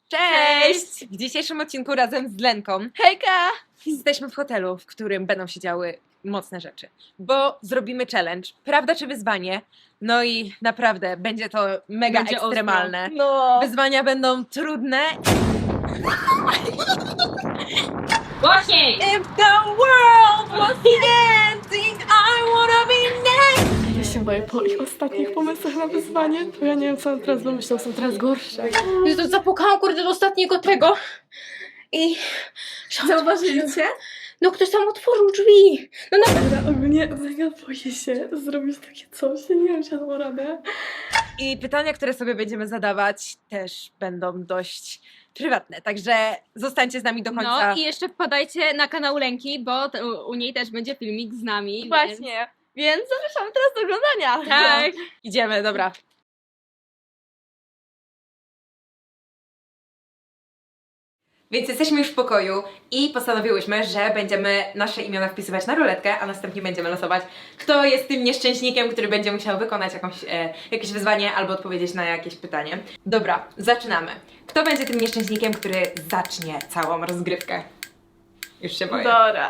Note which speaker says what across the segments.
Speaker 1: Cześć! W dzisiejszym odcinku razem z Lenką
Speaker 2: Hejka!
Speaker 1: jesteśmy w hotelu, w którym będą się działy mocne rzeczy, bo zrobimy challenge, prawda czy wyzwanie, no i naprawdę będzie to mega
Speaker 2: Będzie
Speaker 1: ekstremalne.
Speaker 2: ostro. No.
Speaker 1: Wyzwania będą trudne.
Speaker 2: Głośniej!
Speaker 1: If the world was ending, I wanna be next.
Speaker 2: Ja się boję po ich ostatnich pomysłach na wyzwanie, bo ja nie wiem, co on teraz wymyślał, są teraz gorsze.
Speaker 3: To zapukałam kurde do ostatniego tego i...
Speaker 2: Zauważyliście?
Speaker 3: No ktoś tam otworzył drzwi. No
Speaker 2: Dobra, ogólnie mega boję się zrobić takie coś, ja nie wiem, czy ja dam radę.
Speaker 1: I pytania, które sobie będziemy zadawać, też będą dość prywatne, także zostańcie z nami do końca.
Speaker 3: No i jeszcze wpadajcie na kanał Lenki, bo u niej też będzie filmik z nami.
Speaker 2: Właśnie, więc zapraszamy teraz do oglądania.
Speaker 3: Więc... Tak.
Speaker 1: Idziemy, dobra. Więc jesteśmy już w pokoju i postanowiłyśmy, że będziemy nasze imiona wpisywać na ruletkę, a następnie będziemy losować, kto jest tym nieszczęśnikiem, który będzie musiał wykonać jakieś wyzwanie albo odpowiedzieć na jakieś pytanie. Dobra, zaczynamy. Kto będzie tym nieszczęśnikiem, który zacznie całą rozgrywkę? Już się boję.
Speaker 2: Dobra.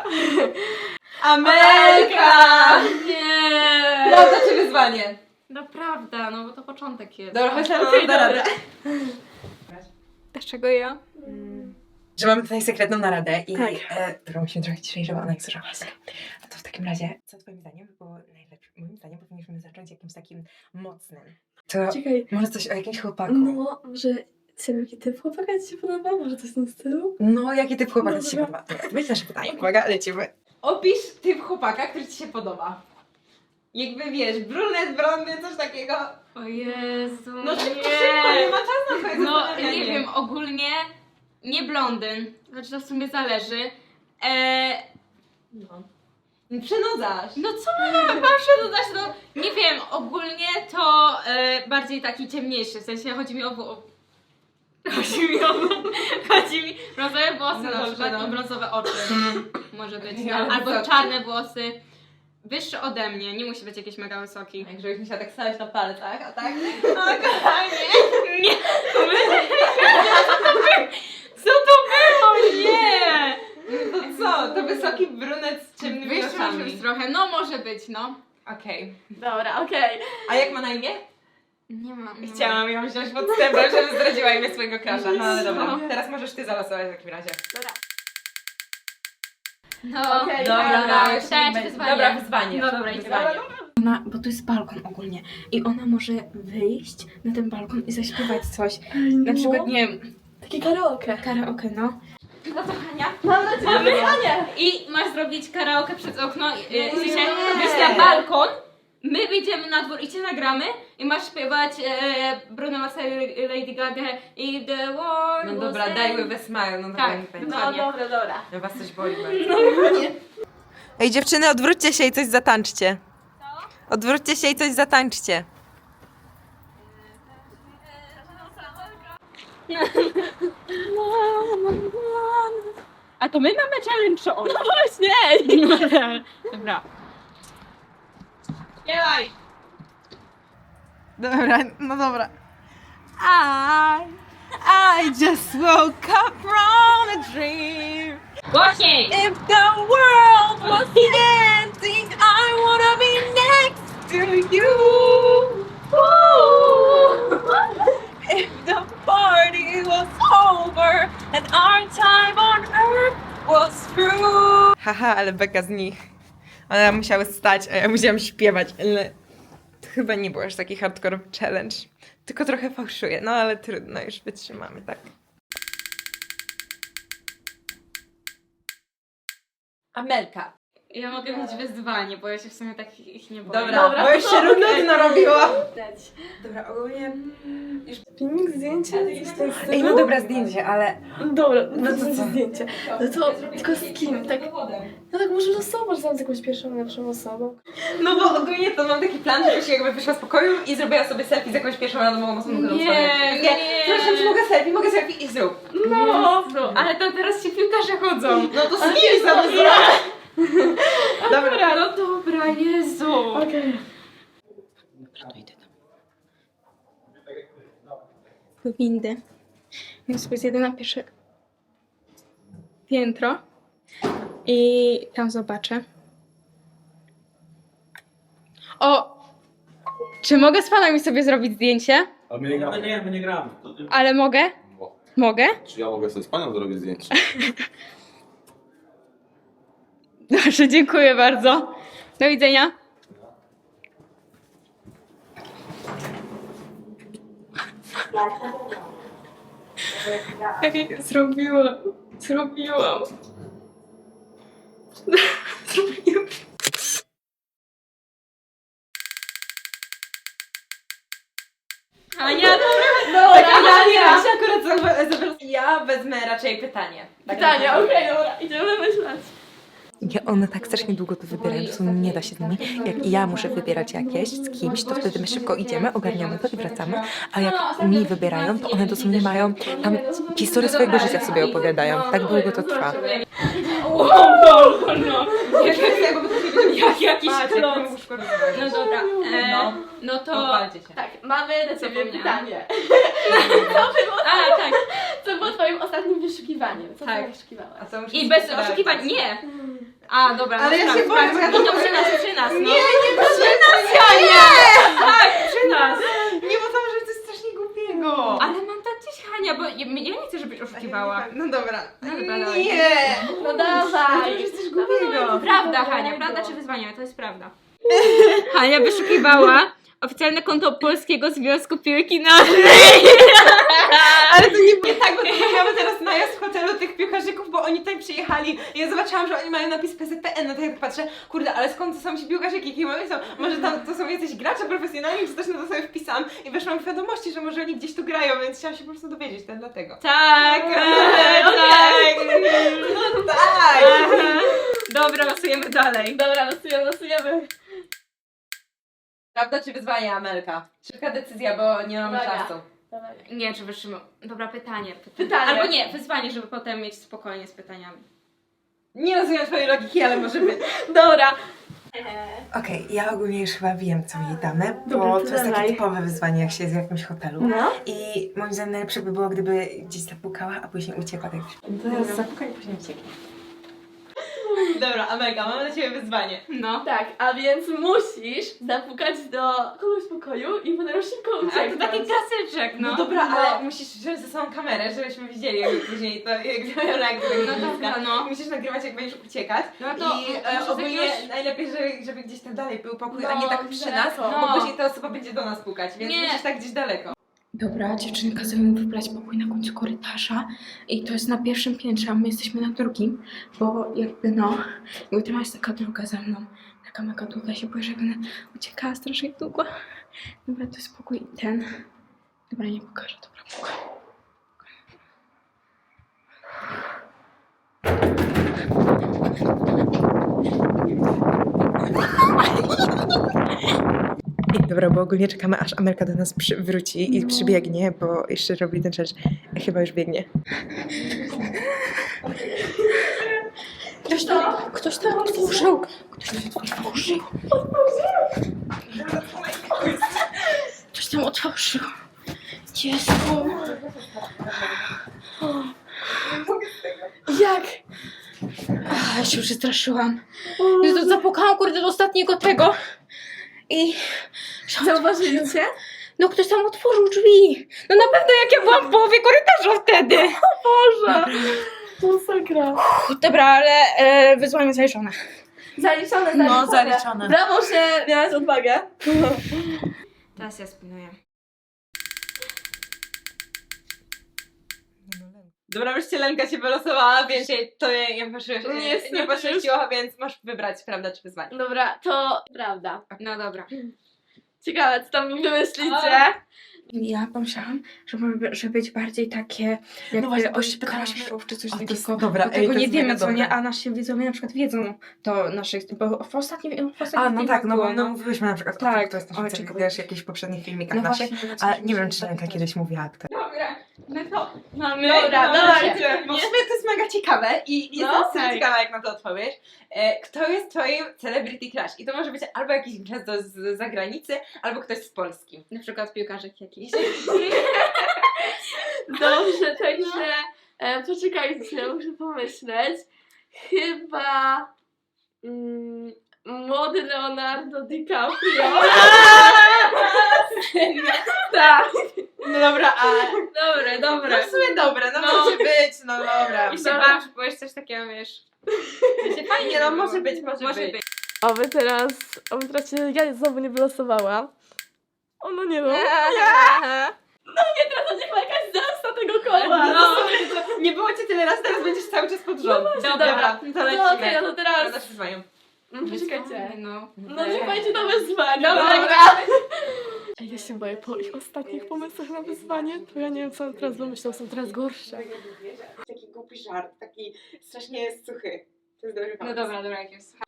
Speaker 1: Amelka!
Speaker 3: Nie!
Speaker 1: Prawda czy wyzwanie?
Speaker 3: Naprawdę, no bo to początek jest.
Speaker 1: Dobra, chodź na
Speaker 2: Okej,
Speaker 1: naradę.
Speaker 3: Dlaczego ja?
Speaker 1: Że mamy tutaj sekretną naradę i
Speaker 2: Tak.
Speaker 1: którą musimy trochę ciszej, żeby ona nie słyszała. A to w takim razie, co twoim zdaniem by było najlepsze? Moim zdaniem powinniśmy zacząć jakimś takim mocnym. To
Speaker 2: Czekaj,
Speaker 1: może coś o jakimś chłopaku.
Speaker 2: no, może jaki typ chłopaka ci się podoba? Może coś w tym stylu?
Speaker 1: No, jaki typ chłopaka ci się
Speaker 2: Dobra.
Speaker 1: podoba? Dobra, to będzie nasze pytanie. Uwaga, lecimy. Opisz typ chłopaka, który ci się podoba. Jakby wiesz, brunet, blondy, coś takiego.
Speaker 3: O Jezu,
Speaker 1: No szybko,
Speaker 3: nie.
Speaker 1: szybko, nie ma czasu na twoje
Speaker 3: No
Speaker 1: zastanawianie.
Speaker 3: nie wiem, ogólnie nie blondyn, znaczy to w sumie zależy.
Speaker 1: No. Przenudzasz.
Speaker 3: No co mam przedłużać? No nie wiem, ogólnie to bardziej taki ciemniejszy, w sensie chodzi mi o chodzi mi brązowe włosy
Speaker 1: No
Speaker 3: na
Speaker 1: dobrze,
Speaker 3: przykład
Speaker 1: no.
Speaker 3: i brązowe oczy może być,
Speaker 1: Ja
Speaker 3: albo
Speaker 1: wysoki.
Speaker 3: czarne włosy, wyższy ode mnie, nie musi być jakiś mega wysoki.
Speaker 1: Jak żebyś musiała tak stać na palcach, a tak? O, kochanie.
Speaker 3: Nie! Co to było? Nie!
Speaker 1: To co? To wysoki brunet z ciemnymi
Speaker 3: Wyższy może
Speaker 1: oczami.
Speaker 3: być trochę, no może być, no.
Speaker 1: Okej.
Speaker 2: Dobra, okej.
Speaker 1: A jak ma na imię?
Speaker 3: Nie mam.
Speaker 1: Chciałam ją wziąć podstępem, żeby zdradziła imię swojego crusha. No ale dobra.
Speaker 3: No.
Speaker 1: Teraz możesz ty zalosować w takim razie.
Speaker 2: Dobra.
Speaker 3: No,
Speaker 2: Okej,
Speaker 3: dobra,
Speaker 1: już
Speaker 3: pytanie
Speaker 1: nie
Speaker 3: czy
Speaker 1: będzie.
Speaker 3: wyzwanie?
Speaker 1: Dobra, wyzwanie.
Speaker 3: No dobra, idziemy.
Speaker 1: Wyzwanie.
Speaker 3: Ona, bo to jest balkon ogólnie i ona może wyjść na ten balkon i zaśpiewać coś. Na przykład, nie wiem,
Speaker 2: Takie karaoke.
Speaker 3: karaoke, no. No to Hania.
Speaker 2: Mam na ciebie wyzwanie.
Speaker 3: I masz zrobić karaoke przez okno, w
Speaker 2: Nie.
Speaker 3: sensie wyjść na balkon, my wyjdziemy na dwór i cię nagramy i masz śpiewać Bruno Mars, Lady Gaga i The World
Speaker 1: No
Speaker 3: Was
Speaker 1: dobra,
Speaker 3: End.
Speaker 1: daj with a smile. No
Speaker 3: Tak,
Speaker 1: dobra, niech będzie.
Speaker 2: No
Speaker 3: Dokładnie.
Speaker 2: dobra.
Speaker 1: No was coś boli bardzo. Ej dziewczyny, odwróćcie się i coś zatańczcie. Odwróćcie się i coś zatańczcie.
Speaker 3: A to my mamy challenge czy on?
Speaker 2: No właśnie.
Speaker 3: Dobra. Śpiewaj!
Speaker 1: Dobra, no dobra. I just woke up from a dream.
Speaker 3: Głośniej!
Speaker 1: If the world was ending, I wanna be next to you. If the party was over and our time on earth was through. Haha, ale beka z nich. One musiały stać, a ja musiałam śpiewać, ale to chyba nie był aż taki hardcore challenge. Tylko trochę fałszuję, no ale trudno, już wytrzymamy, tak. Amelka.
Speaker 3: Ja mogę mieć wyzwanie, bo ja się w sumie tak ich nie boję.
Speaker 1: Dobra,
Speaker 2: Dobra,
Speaker 1: bo już się nudno robiło.
Speaker 2: Leć.
Speaker 1: Dobra, ogólnie...
Speaker 2: Filmik, zdjęcie? Coś w tym stylu?
Speaker 1: Ej, no dobra, zdjęcie, ale...
Speaker 2: Dobra, no to zdjęcie. No to tylko z kim? Tak, no tak może losować tam z jakąś pierwszą, lepszą osobą.
Speaker 1: No bo ogólnie to mam taki plan, żebyś jakby wyszła z pokoju i zrobiła sobie selfie z jakąś pierwszą randomową osobą, którą
Speaker 3: Nie,
Speaker 1: spotkałam.
Speaker 3: nie.
Speaker 1: Proszę, czy mogę selfie i zrób.
Speaker 3: No, ale to teraz ci piłkarze chodzą.
Speaker 1: No to z kim sobie zrób?
Speaker 3: Dobra, no dobra, Jezu.
Speaker 2: Okej.
Speaker 3: Windy. Więc sobie zjedę na pierwsze piętro i tam zobaczę. O! Czy mogę z panami sobie zrobić zdjęcie?
Speaker 4: A my nie gramy. My nie gramy.
Speaker 3: Ale mogę? Mogę?
Speaker 4: Czy ja mogę sobie z panią zrobić zdjęcie?
Speaker 3: Dobrze, dziękuję bardzo. Do widzenia. Ej, zrobiłam. Zrobiłam. Ania,
Speaker 1: Tak, ja się akurat ja wezmę raczej pytanie.
Speaker 2: Pytania, okej, dobra, idziemy myśleć.
Speaker 1: One tak strasznie długo to wybierają, to nie da się z nimi. Jak ja muszę wybierać jakieś z kimś, to wtedy my szybko idziemy, ogarniamy to i wracamy. A jak mi wybierają, to one dosłownie mają tam historię swojego życia sobie opowiadają. Tak długo to trwa.
Speaker 3: Jak jakiś klon.
Speaker 1: klon.
Speaker 3: No dobra, no to...
Speaker 1: Pochwalcie się.
Speaker 2: Tak, mamy do ciebie
Speaker 3: Zapomniałam.
Speaker 2: pytanie.
Speaker 3: A, tak.
Speaker 2: Co było twoim ostatnim wyszukiwaniem? Co
Speaker 3: Tak.
Speaker 2: ty wyszukiwałaś?
Speaker 1: A to muszę
Speaker 3: I bez
Speaker 1: sprawdzić.
Speaker 3: oszukiwań, nie. A, dobra,
Speaker 1: Ale
Speaker 3: no
Speaker 1: ja się
Speaker 3: sprawdź,
Speaker 1: boję, bo ja
Speaker 3: sprawdź.
Speaker 1: to
Speaker 3: No to przy nas, no.
Speaker 1: Nie,
Speaker 3: Tak, przy nas.
Speaker 1: Nie, bo to może być coś strasznie głupiego.
Speaker 3: Ale mam tak gdzieś Hania, bo ja nie chcę, żebyś oszukiwała.
Speaker 1: No dobra.
Speaker 3: No dobra, dawaj.
Speaker 1: Nie!
Speaker 2: No
Speaker 1: To
Speaker 2: dawaj!
Speaker 1: jest coś głupiego.
Speaker 3: Prawda, Hania, prawda czy wyzwanie? To jest prawda. Hania wyszukiwała oficjalne konto Polskiego Związku Piłki Nożnej.
Speaker 1: Ale to nie tak, bo to mamy teraz najazd w hotelu tych piłkarzyków, bo oni tutaj przyjechali i ja zobaczyłam, że oni mają napis PZPN, no to ja tak patrzę, kurde, ale skąd to są ci piłkarzyki, jakie oni są? Może tam to są jacyś gracze profesjonalni, czy też no to sobie wpisałam i weszłam w wiadomości, że może oni gdzieś tu grają, więc chciałam się po prostu dowiedzieć, to dlatego.
Speaker 3: Tak,
Speaker 1: Okej.
Speaker 3: tak.
Speaker 1: No tak!
Speaker 3: Dobra, losujemy dalej.
Speaker 2: Dobra, losujemy.
Speaker 1: Prawda czy wyzwanie, Amelka? Szybka decyzja, bo nie mamy
Speaker 2: Uwaga.
Speaker 1: czasu.
Speaker 2: Dawaj.
Speaker 3: Nie, czy wytrzymy. Dobra, pytanie.
Speaker 2: Pytanie.
Speaker 3: Albo nie, wyzwanie, żeby potem mieć spokojnie z pytaniami.
Speaker 1: Nie rozumiem twojej logiki, ale może być.
Speaker 2: Dobra.
Speaker 5: Okej, ja ogólnie już chyba wiem, co jej damy,
Speaker 2: Dobra,
Speaker 5: bo
Speaker 2: to
Speaker 5: to jest
Speaker 2: dawaj.
Speaker 5: takie typowe wyzwanie, jak się jest w jakimś hotelu.
Speaker 2: No.
Speaker 5: I moim zdaniem najlepsze by było, gdyby gdzieś zapukała, a później uciekła. Tak.
Speaker 1: Teraz zapukaj i później ucieknie. Dobra, Amelka, mamy dla ciebie wyzwanie.
Speaker 3: No.
Speaker 2: Tak, a więc musisz zapukać do kogoś w pokoju i potem szybko
Speaker 3: A to
Speaker 2: ucieknąć.
Speaker 3: taki klasyczek,
Speaker 1: No
Speaker 3: no.
Speaker 1: dobra, ale musisz wziąć ze sobą kamerę, żebyśmy widzieli jak później to, jak mają reakcję
Speaker 3: No
Speaker 1: tego
Speaker 3: dobra,
Speaker 1: dziecka.
Speaker 3: no.
Speaker 1: Musisz nagrywać, jak będziesz uciekać.
Speaker 3: No to
Speaker 1: I
Speaker 3: może z
Speaker 1: ogólnie
Speaker 3: jakiegoś-
Speaker 1: najlepiej, żeby gdzieś tam dalej był pokój, a
Speaker 2: No,
Speaker 1: nie tak przy nas,
Speaker 2: daleko.
Speaker 1: bo
Speaker 3: No.
Speaker 1: później ta osoba będzie do nas pukać, więc
Speaker 3: Nie.
Speaker 1: musisz tak gdzieś daleko.
Speaker 3: Dobra, dziewczyny kazały mi wybrać pokój na końcu korytarza i to jest na pierwszym piętrze, a my jesteśmy na drugim, bo jakby no, jakby tam jest taka droga za mną, taka mega długa, się boję, że będę uciekała strasznie długo. Dobra, to jest pokój ten. Dobra, nie pokażę, dobra, pokój.
Speaker 5: Dobra, bo ogólnie czekamy, aż Amelka do nas wróci i przybiegnie, bo jeszcze robi ten rzecz. Chyba już biegnie.
Speaker 3: Ktoś to otworzył! Ktoś to otworzył! Ktoś tam otworzył! Jezu!
Speaker 2: Jak?
Speaker 3: Ja się już przestraszyłam. Jezu, zapukałam kurde do ostatniego tego i...
Speaker 2: Zauważyli cię?
Speaker 3: No ktoś tam otworzył drzwi! No na pewno jak ja byłam w połowie korytarza wtedy!
Speaker 2: Boże! Masakra.
Speaker 3: Dobra, ale wyzwanie zaliczone.
Speaker 2: Zaliczone,
Speaker 5: No, zaliczone.
Speaker 2: Brawo, że miałaś odwagę.
Speaker 3: Teraz ja spinuję.
Speaker 1: Dobra, wreszcie Lenka się wylosowała, więc to nie
Speaker 2: Niestety
Speaker 1: poszczęściło, więc masz wybrać, prawda czy wyzwanie.
Speaker 2: Dobra, to prawda.
Speaker 3: No dobra.
Speaker 2: Ciekawe, co tam wymyślicie.
Speaker 3: Ja pomyślałam, żeby być bardziej takie jak
Speaker 5: No właśnie,
Speaker 3: o
Speaker 5: bo się pytałyśmy-
Speaker 3: Kaszów czy coś
Speaker 5: O, to jest
Speaker 3: takiego.
Speaker 5: dobra,
Speaker 3: Bo
Speaker 5: ej,
Speaker 3: tego
Speaker 5: to
Speaker 3: nie
Speaker 5: jest
Speaker 3: wiemy,
Speaker 5: mega
Speaker 3: co nie,
Speaker 5: dobre.
Speaker 3: a nasi widzowie na przykład wiedzą to naszych, bo w ostatnim
Speaker 5: A, no tak, no bo
Speaker 3: było,
Speaker 5: no, mówiłyśmy na przykład,
Speaker 3: Tak,
Speaker 5: to jest
Speaker 3: o
Speaker 5: nasz
Speaker 3: czym
Speaker 5: wiesz, jakichś poprzednich filmikach
Speaker 3: No
Speaker 5: naszych,
Speaker 3: właśnie,
Speaker 5: ale nie wiem, czy Lenka kiedyś mówiła kto.
Speaker 3: Dobra, no to mamy...
Speaker 2: Dobra, dawajcie.
Speaker 1: Bo w sumie to jest mega ciekawe i
Speaker 2: No,
Speaker 1: jestem
Speaker 2: tak.
Speaker 1: ciekawa, jak na to odpowiesz. Kto jest twoim celebrity crush? I to może być albo jakiś gwiazdo z zagranicy, albo ktoś z Polski.
Speaker 3: Na przykład piłkarzyk jakiś.
Speaker 2: Dobrze, także poczekajcie, muszę pomyśleć. Chyba młody Leonardo DiCaprio. Tak.
Speaker 1: No dobra, a...
Speaker 3: Dobra.
Speaker 1: No w sumie dobra, no może być, no dobra.
Speaker 3: I się basz, bo jest coś takiego, wiesz.
Speaker 1: Fajnie, no może być, może być.
Speaker 2: Oby teraz się ja znowu nie wylosowała. O no nie no. Teraz będzie jakaś zemsta tego koła.
Speaker 1: No, nie było cię tyle razy, teraz będziesz cały czas pod rząd. Dobra, to
Speaker 2: No
Speaker 1: lecimy.
Speaker 2: to teraz.
Speaker 1: Teraz wyzwaniem.
Speaker 2: Poczekajcie.
Speaker 3: No.
Speaker 2: No niech będzie to wyzwanie.
Speaker 3: Dobra.
Speaker 2: Ej, ja się boję po ich ostatnich pomysłach na wyzwanie, to ja nie wiem co on teraz wymyślał, są teraz gorsze.
Speaker 5: Taki głupi żart, taki strasznie suchy. To jest dobry
Speaker 3: No dobra, jak jest.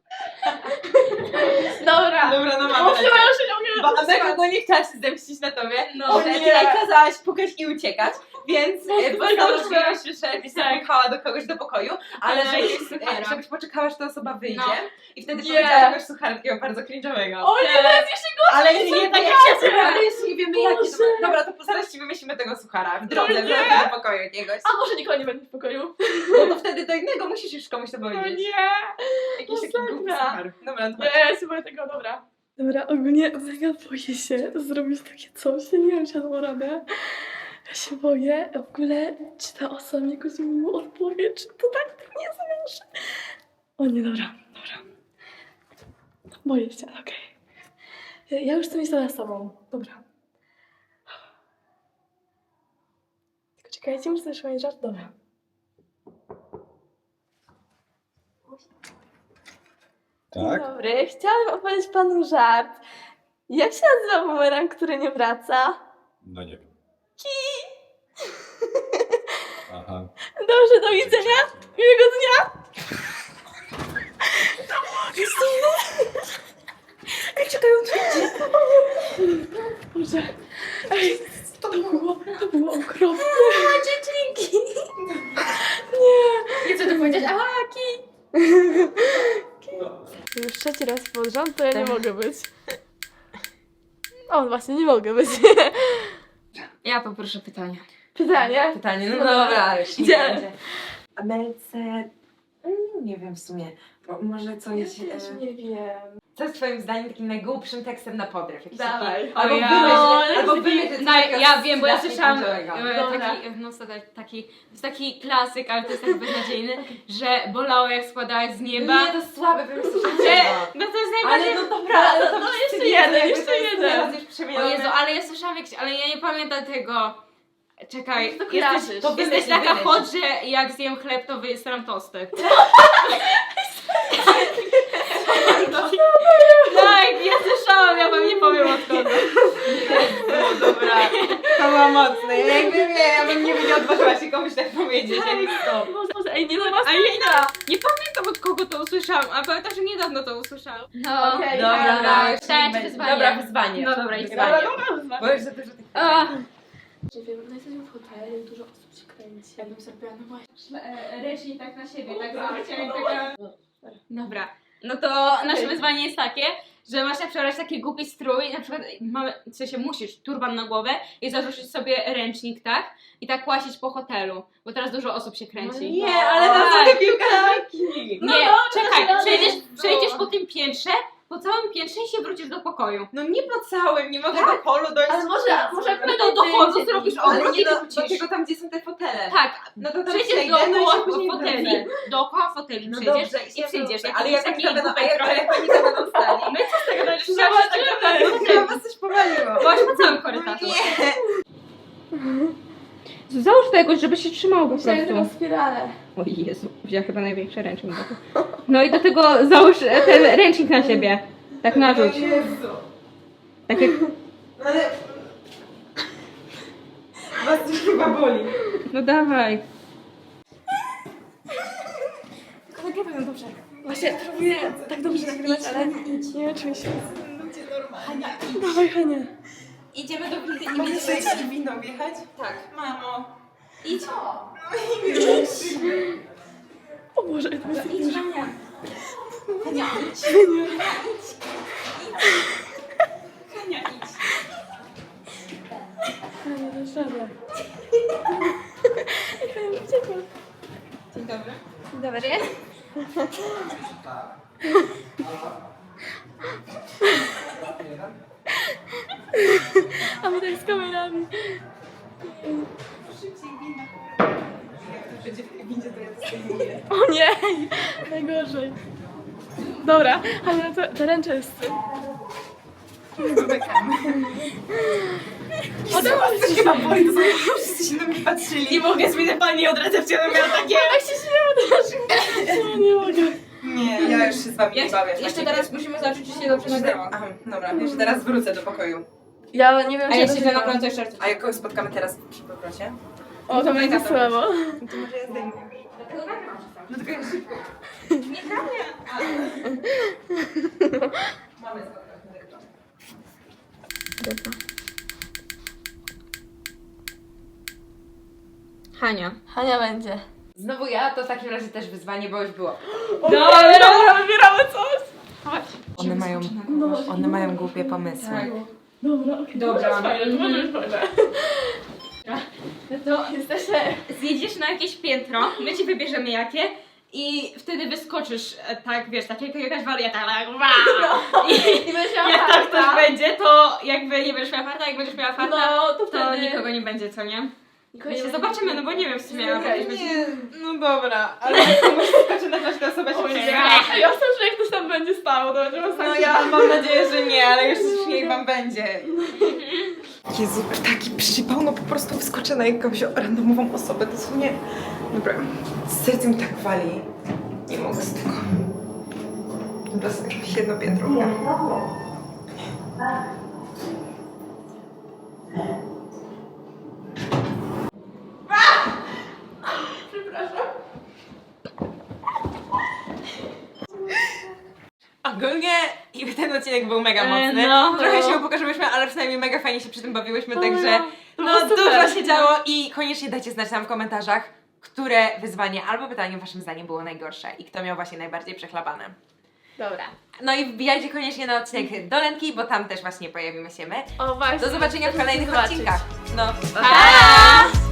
Speaker 2: Dobra.
Speaker 1: Dobra, no
Speaker 2: O,
Speaker 1: mamy.
Speaker 2: chyba już się nie umiem.
Speaker 1: Bo Amelka no nie chciała się zemścić na tobie,
Speaker 3: No.
Speaker 1: że
Speaker 2: nie.
Speaker 1: ty jej kazałaś pukać i uciekać, więc postanowiłaś,
Speaker 2: najgorsze.
Speaker 1: że byś zapukała do kogoś do pokoju, ale
Speaker 3: Ale
Speaker 1: żebyś,
Speaker 3: jakiegoś suchara.
Speaker 1: żebyś poczekała, aż ta osoba wyjdzie
Speaker 3: No.
Speaker 1: i wtedy
Speaker 2: Nie.
Speaker 1: powiedziała jakiegoś suchara takiego bardzo cringe'owego.
Speaker 2: O nie, to jest jeszcze
Speaker 1: Ale jeszcze nie
Speaker 2: tak
Speaker 1: wiemy, ale jeszcze nie wiemy jaki to
Speaker 2: Boże.
Speaker 1: Dobra, to zaraz ci wymyślimy tego suchara w drodze,
Speaker 2: nie.
Speaker 1: w drodze do pokoju jakiegoś.
Speaker 2: A może nikogo nie będzie w pokoju?
Speaker 1: No to wtedy do innego musisz już komuś to
Speaker 2: No
Speaker 1: powiedzieć.
Speaker 2: nie.
Speaker 1: Jakiś taki
Speaker 2: masakra.
Speaker 1: głupi suchar. Dobra, to
Speaker 2: Nie, ja się boję tego, dobra. Dobra, ogólnie mega boję się zrobić takie coś, ja nie wiem, czy ja dam radę. Ja się boję, w ogóle, czy ta osoba mi jakoś miło odpowie, czy to tak nie zamierzy. O nie, dobra. Boję się, okej. Ja już chcę mieć to za sobą, dobra. Tylko czekajcie, muszę też mieć żart, dobra. Dzień dobry, chciałabym opowiedzieć panu żart. Jak się nazywa bumerang, który nie wraca?
Speaker 4: No nie wiem. Aha.
Speaker 2: Dobrze, do widzenia. Miłego dnia. Ej, czekaj, on wyjdzie. Boże. Ej, to było okropne. Dziewczynki. Nie.
Speaker 3: I co ty powiedzieć? Aha, ki!
Speaker 2: Już trzeci raz pod rząd, to ja nie mogę być. O, właśnie, nie mogę być.
Speaker 3: Ja poproszę pytania.
Speaker 2: Pytanie?
Speaker 1: pytanie, no
Speaker 2: Dobra.
Speaker 1: dobra, już nie
Speaker 2: Gdzie?
Speaker 1: będzie. Amelce, nie wiem w sumie, może coś...
Speaker 2: nie wiem.
Speaker 1: Co jest twoim zdaniem takim najgłupszym tekstem na podryw? Jakiś
Speaker 2: Dawaj.
Speaker 1: taki- Albo
Speaker 3: O ja.
Speaker 1: wymyśl coś
Speaker 3: No,
Speaker 1: takiego
Speaker 3: ja wiem, bo ja
Speaker 1: strasznie
Speaker 3: słyszałam
Speaker 1: cringe'owego.
Speaker 3: taki, to jest taki klasyk, ale to jest tak beznadziejny, że bolało jak składałaś z nieba.
Speaker 1: Nie, to jest słabe, wymyślisz
Speaker 3: Że, no to jest najbardziej...
Speaker 1: Ale no dobra,
Speaker 2: No,
Speaker 1: to
Speaker 2: no,
Speaker 1: wszyscy
Speaker 2: jeszcze
Speaker 1: wiedzą,
Speaker 2: jeden,
Speaker 1: jakby
Speaker 2: jeszcze
Speaker 1: to jest
Speaker 2: jeden.
Speaker 1: teraz już
Speaker 3: O
Speaker 1: przemienione.
Speaker 3: Jezu, ale ja słyszałam jakiś, ale ja nie pamiętam tego. Czekaj,
Speaker 2: To kojarzysz.
Speaker 1: to
Speaker 3: jesteś
Speaker 1: wymyśl,
Speaker 3: taka
Speaker 1: wymyśl.
Speaker 3: hot, że jak zjem chleb, to wyjestram tosty. Tak, ja słyszałam, ja wam nie powiem od kogo.
Speaker 1: No dobra, to było mocne. Ja bym nie odważyła się komuś tak powiedzieć, jak to.
Speaker 2: Może, ej, nie no,
Speaker 3: A ja nie pamiętam od kogo to usłyszałam, a pamiętam, że niedawno to usłyszałam. No,
Speaker 2: Okej,
Speaker 1: Dobra, już
Speaker 3: Pytanie
Speaker 1: nie
Speaker 3: czy
Speaker 1: będzie.
Speaker 3: wyzwanie?
Speaker 1: Dobra, wyzwanie.
Speaker 3: No dobra, i
Speaker 1: wyzwanie.
Speaker 2: dobra.
Speaker 1: Bo już za dużo tych
Speaker 3: A,
Speaker 2: Nie wiem, no jesteśmy w hotelu, dużo osób się kręci.
Speaker 3: ja bym zrobiła, no właśnie. Ręcznik tak na siebie, tak zrobicie jak taka... Dobra, no to nasze wyzwanie jest takie, że masz przebrać taki głupi strój, na przykład mamy, w sensie musisz turban na głowę i zarzucić sobie ręcznik, tak? I tak łazić po hotelu, bo teraz dużo osób się kręci.
Speaker 1: Nie, ale to są te piłkarki.
Speaker 3: Nie, czekaj,
Speaker 2: dobra,
Speaker 3: przejdziesz po tym piętrze, po całym piętrze i się wrócisz do pokoju.
Speaker 1: No nie po całym, nie mogę
Speaker 3: Tak?
Speaker 1: do holu dojść.
Speaker 2: Ale może
Speaker 3: No to do holu zrobisz
Speaker 1: Ale
Speaker 3: obrót
Speaker 1: nie
Speaker 3: i
Speaker 1: do
Speaker 3: wrócisz.
Speaker 1: tego tam, gdzie są te fotele.
Speaker 3: Tak,
Speaker 1: No to tam
Speaker 3: przejdziesz
Speaker 1: przejdę, no i
Speaker 3: dookoła
Speaker 1: się później
Speaker 3: foteli,
Speaker 1: wrócę.
Speaker 3: dookoła foteli
Speaker 1: No
Speaker 3: przejdziesz
Speaker 1: dobrze,
Speaker 3: i przyjdziesz.
Speaker 1: Ale jak
Speaker 3: taki
Speaker 1: oni będą,
Speaker 3: głupek trochę.
Speaker 1: jak oni tam będą stali?
Speaker 3: My co z tego będziesz
Speaker 1: Zobaczymy. Chyba was coś powaliło.
Speaker 3: Byłaś po całym korytarzu.
Speaker 1: Nie.
Speaker 3: Załóż to jakoś, żeby się trzymało po
Speaker 2: Chciałem tylko spiralę.
Speaker 3: O Jezu, wzięła chyba największy ręcznik. No i do tego załóż ten ręcznik na siebie. Tak narzuć.
Speaker 1: Jezu.
Speaker 3: Tak jak...
Speaker 1: Ale... Was już chyba boli.
Speaker 3: No dawaj.
Speaker 2: Tylko nagrywaj ją dobrze. Właśnie próbuję tak dobrze nagrywać, ale nie wiem, czy mi się...
Speaker 1: Hania,
Speaker 2: Dawaj, Hania.
Speaker 3: Idziemy do windy
Speaker 1: mogę sobie ci winą wjechać? Tak. Mamo.
Speaker 3: Idź.
Speaker 2: O Boże, to jest
Speaker 3: Idź, Hania. Hania, idź.
Speaker 2: Hania, dasz radę.
Speaker 3: Dzień dobry.
Speaker 2: Dzień dobry. A my tak z kamerami. O nie! Najgorzej. Dobra, ale to ręce jest. O to
Speaker 1: Coś chyba boli, to sobie wszyscy się na mnie patrzyli. Nie mogę, zmienić pani od recepcjonu miała takie...
Speaker 2: tak się śmieję też. No nie mogę.
Speaker 1: Nie, ja już się z wami nie bawię.
Speaker 3: Jeszcze teraz musimy zobaczyć, czy się dobrze nagrało.
Speaker 1: Aha, dobra, jeszcze teraz wrócę do pokoju.
Speaker 2: Ja nie wiem,
Speaker 3: A
Speaker 2: czy
Speaker 3: jeśli
Speaker 2: to
Speaker 3: to nagramy, to jeszcze raz.
Speaker 1: A jak kogoś spotkamy teraz przy powrocie?
Speaker 2: O, to będzie słabo.
Speaker 1: To może ja zdejmę już. No tylko ja szybko. Mamy spotkanie.
Speaker 3: Hania.
Speaker 2: Hania będzie.
Speaker 1: Znowu ja, to w takim razie też wyzwanie, bo już było.
Speaker 2: Dobra, wybieramy coś. Chodź.
Speaker 1: One mają głupie pomysły.
Speaker 2: Dobra, okej.
Speaker 3: Dobra.
Speaker 2: To może być fajne, to może być fajne.
Speaker 3: No to
Speaker 2: Jesteśmy...
Speaker 3: zjedziesz na jakieś piętro, my ci wybierzemy jakie i wtedy wyskoczysz, tak wiesz, tak jak jakaś wariata, tak wow!
Speaker 2: I będziesz miała
Speaker 3: Jak tak
Speaker 2: farta.
Speaker 3: ktoś będzie, to jakby nie będziesz miała farta, jak będziesz miała farta,
Speaker 2: No, to
Speaker 3: to
Speaker 2: wtedy...
Speaker 3: nikogo nie będzie, co nie?
Speaker 2: Nikogo
Speaker 3: My się
Speaker 2: nie
Speaker 3: zobaczymy, no bo nie wiem w sumie, ale
Speaker 2: Okej.
Speaker 3: okay.
Speaker 1: Nie, no dobra, ale jak komuś skoczy na każda osoba się
Speaker 2: będzie.
Speaker 1: będzie.
Speaker 2: Ja myślę, że jak ktoś tam będzie stało, to będzie masakra.
Speaker 1: No ja mam nadzieję, że nie, ale już niech wam będzie. Jezu, taki przypał, no po prostu wyskoczę na jakąś randomową osobę, dosłownie. Dobra, serce mi tak wali. Nie mogę z tego. Dobra, sobie jakieś jedno piętro. Ogólnie i ten odcinek był mega mocny.
Speaker 3: no.
Speaker 1: Trochę się upokorzyłyśmy, ale przynajmniej mega fajnie się przy tym bawiłyśmy,
Speaker 2: O,
Speaker 1: także
Speaker 2: to
Speaker 1: no
Speaker 2: było super.
Speaker 1: dużo się działo i koniecznie dajcie znać nam w komentarzach, które wyzwanie albo pytanie waszym zdaniem było najgorsze i kto miał właśnie najbardziej przechlapane.
Speaker 2: Dobra.
Speaker 1: No i wbijajcie koniecznie na odcinek do Lenki, bo tam też właśnie pojawimy się my.
Speaker 2: O właśnie.
Speaker 1: Do zobaczenia w kolejnych
Speaker 2: Zobaczyć.
Speaker 1: odcinkach. No,
Speaker 2: Pa!